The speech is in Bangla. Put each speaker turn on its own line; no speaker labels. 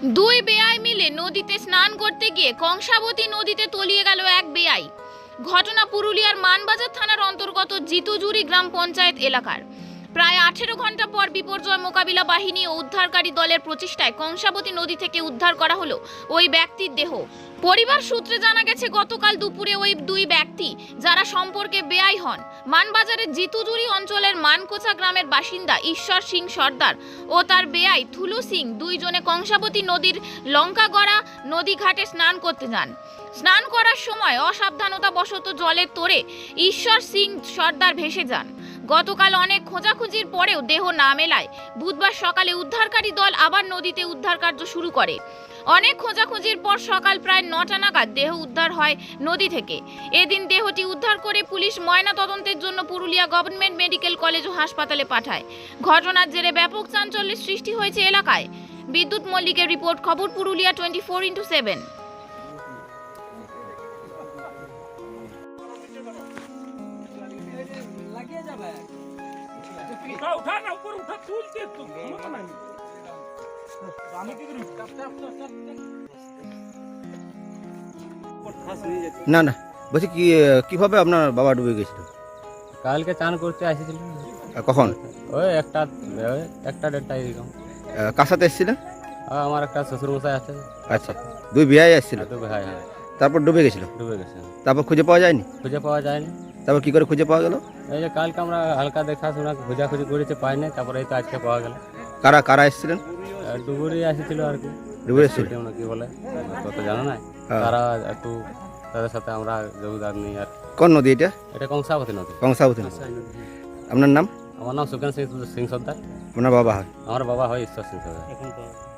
দুই বেয়াই মিলে নদীতে স্নান করতে গিয়ে কংসাবতী নদীতে তলিয়ে গেল এক বেয়াই। ঘটনা পুরুলিয়ার মানবাজার থানার অন্তর্গত জিতুজুরি গ্রাম পঞ্চায়েত এলাকার। প্রায় 18 ঘন্টা পর বিপর্যয় মোকাবিলা বাহিনী ও উদ্ধারকারী দলের প্রচেষ্টায় কংসাবতী নদী থেকে উদ্ধার করা হলো ওই ব্যক্তির দেহ। পরিবার সূত্রে জানা গেছে, গতকাল দুপুরে ওই দুই ব্যক্তি, যারা সম্পর্কে বেয়াই হন, মানবাজারের জিতুজুরি অঞ্চলের মানকোচা গ্রামের বাসিন্দা ঈশ্বর সিং সর্দার ও তার বেয়াই থুলু সিং, দুইজনে কংসাবতী নদীর লঙ্কাগড়া নদী ঘাটে স্নান করতে যান। স্নান করার সময় অসাবধানতাবশত জলের তোড়ে ঈশ্বর সিং সর্দার ভেসে যান। গতকাল অনেক খোঁজাখুঁজির পরেও দেহ না মেলায় বুধবার সকালে উদ্ধারকারী দল আবার নদীতে উদ্ধার কার্য শুরু করে। অনেক খোঁজাখুঁজির পর সকাল প্রায় 9টা নাগাদ দেহ উদ্ধার হয় নদী থেকে। এদিন দেহটি উদ্ধার করে পুলিশ ময়না তদন্তের জন্য পুরুলিয়া গভর্নমেন্ট মেডিকেল কলেজ ও হাসপাতালে পাঠায়। ঘটনার জেরে ব্যাপক চাঞ্চল্যের সৃষ্টি হয়েছে এলাকায়। বিদ্যুৎ মল্লিকের রিপোর্ট, খবর পুরুলিয়া 24x7।
उठा ना ऊपर उठा तुलते तुम
না না বলছি কি কিভাবে আপনার বাবা ডুবে গেছিল?
কালকে চান করতে আসছিল।
কখন?
ওই একটা 1টা এরকম।
কার সাথে এসেছিলেন?
আমার একটা শ্বশুর মশাই আছে।
আচ্ছা, দুই বিয়াই আসছিল,
তো ভাই, হ্যাঁ,
তারপর ডুবে গেছিল।
ডুবে গেছে।
তারপর খুঁজে পাওয়া যায়নি?
খুঁজে পাওয়া যায়নি।
তারপর কি করে খুঁজে পাওয়া গেল?
এই যে কালকে আমরা হালকা দেখাশোনা খোঁজাখুঁজি করেছি, পাইনি। তারপরে এই তো আজকে পাওয়া গেল।
কারা কারা এসেছিলেন?
ডুবুরি আসছিল আর কি।
ডুবে এসেছিল
কি বলে তত জানা নাই।
হ্যাঁ।
তারা একটু তাদের সাথে আমরা যোগদান নিই আর।
কোন নদী এটা?
এটা কংসাবতী নদী।
কংসাবতী নদী। আপনার নাম?
আমার নাম সুকেন সিং সর্দার।
আপনার বাবা হয়?
আমার বাবা হয় ঈশ্বর সিং সর্দার।